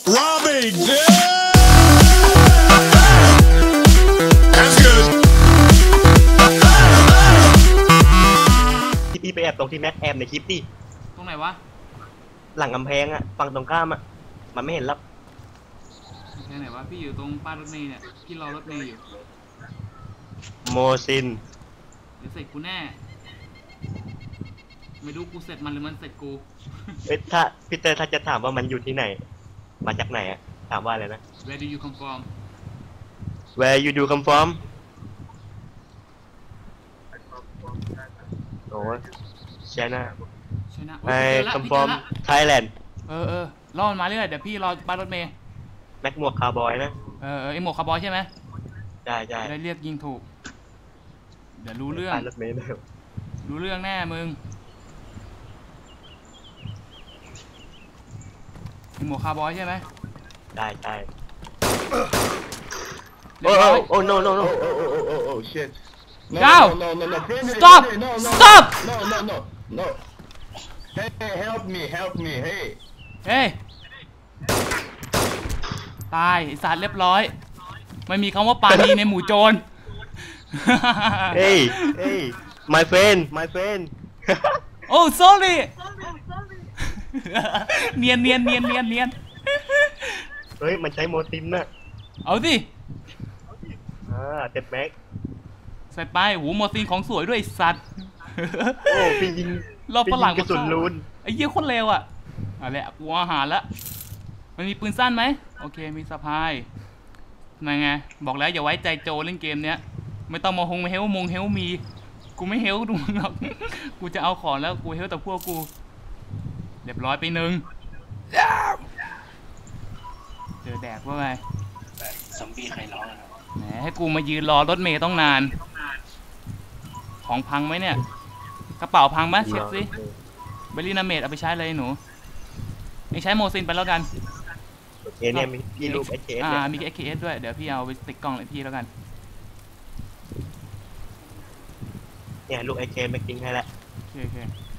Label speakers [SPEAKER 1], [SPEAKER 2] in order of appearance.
[SPEAKER 1] Robbing. That's good.
[SPEAKER 2] พี่ไปแอบตรงที่แม็กแอบในคลิปดิ
[SPEAKER 3] ตรงไหนวะ
[SPEAKER 2] หลังกำแพงอะฝั่งตรงข้ามอะมันไม่เห็นหรอก
[SPEAKER 3] แค่ไหนวะพี่อยู่ตรงป้ายรถเมล์เนี่ยพี่รอรถเมล์อยู่
[SPEAKER 2] โมซิน
[SPEAKER 3] เดี๋ยวเสร็จกูแน่ไม่รู้กูเสร็จมันหรือมันเสร็จกู
[SPEAKER 2] ถ้าพี่เตอร์ถ้าจะถามว่ามันอยู่ที่ไหนมาจากไหนอะถามว่าอะไรนะ
[SPEAKER 3] Where do you come from
[SPEAKER 2] Where you do come from โอ้ใช่นะ
[SPEAKER 3] ใช่นะ
[SPEAKER 2] I
[SPEAKER 3] เจอละ
[SPEAKER 2] come
[SPEAKER 3] พี่เจอ
[SPEAKER 2] from
[SPEAKER 3] ละ
[SPEAKER 2] Thailand
[SPEAKER 3] รอมันมาเรื่อยเดี๋ยวพี่รอป้ายรถเมล์
[SPEAKER 2] แม็กหมวกคาร์บอยนะ
[SPEAKER 3] ไอหมวกคาร์บอยใช่ไหม
[SPEAKER 2] ใช่ใช่
[SPEAKER 3] ได้เรียกยิงถูกเดี๋ยวรู้เรื่อง
[SPEAKER 2] ป้ายรถเมล์เลย
[SPEAKER 3] รู้เรื่องแน่มึงไอหมวกคาร์บอยใช่ไหม
[SPEAKER 2] ได้ใช่
[SPEAKER 3] เรียบร้อย
[SPEAKER 2] โอ้ no no no
[SPEAKER 1] Oh, shit. No,
[SPEAKER 3] Go!
[SPEAKER 1] no, no, no.
[SPEAKER 3] Stop!
[SPEAKER 1] No, no.
[SPEAKER 3] Stop!
[SPEAKER 1] No, no, no, no. Hey, help me, hey.
[SPEAKER 3] เฮ้ยตายไอสัตว์เรียบร้อยไม่มีคำว่าปาณีในหมู่โจร
[SPEAKER 2] Hey my friend
[SPEAKER 3] โอ้ sorry เนียน
[SPEAKER 2] เฮ้ยมันใช้โมซินน่ะ
[SPEAKER 3] เอาสิ
[SPEAKER 2] เต็มแม็ก
[SPEAKER 3] ใส่ไปหูโมซินของสวยด้วยไอ้สัตว์
[SPEAKER 2] โอ้พี่ยิง
[SPEAKER 3] รอบฝรั่ง
[SPEAKER 2] กระสุนรูน
[SPEAKER 3] ไอ้เหี้ยโคนเร็วอ่ะอะไรอะกูอาหารละมันมีปืนสั้นไหมโอเคมีสะพายมาไงบอกแล้วอย่าไว้ใจโจเล่นเกมเนี้ยไม่ต้องมาเฮลมีกูไม่เฮลดูหรอกกูจะเอาของแล้วกูเฮลแต่พวกกูเรียบร้อยไปหนึ่งเจอแดกว่าไง
[SPEAKER 4] ซอมบี้ใครร้องอะ
[SPEAKER 3] แหมให้กูมายืนรอรถเมย์ต้องนานของพังไหมเนี่ยกระเป๋าพังไหมเช็คสิเบลลี่นาเมดเอาไปใช้เลยหนูไม่ใช้โมซินไปแล้วกัน
[SPEAKER 2] โอเคเนี่ยมีพี่รูป HKS เนี่ย
[SPEAKER 3] มี XKS ด้วยเดี๋ยวพี่เอาไปติดกล้องเลยพี่แล้วกัน
[SPEAKER 2] เนี่ยรูป HKS แม็กทิ้งให้แล้ว
[SPEAKER 3] โอเค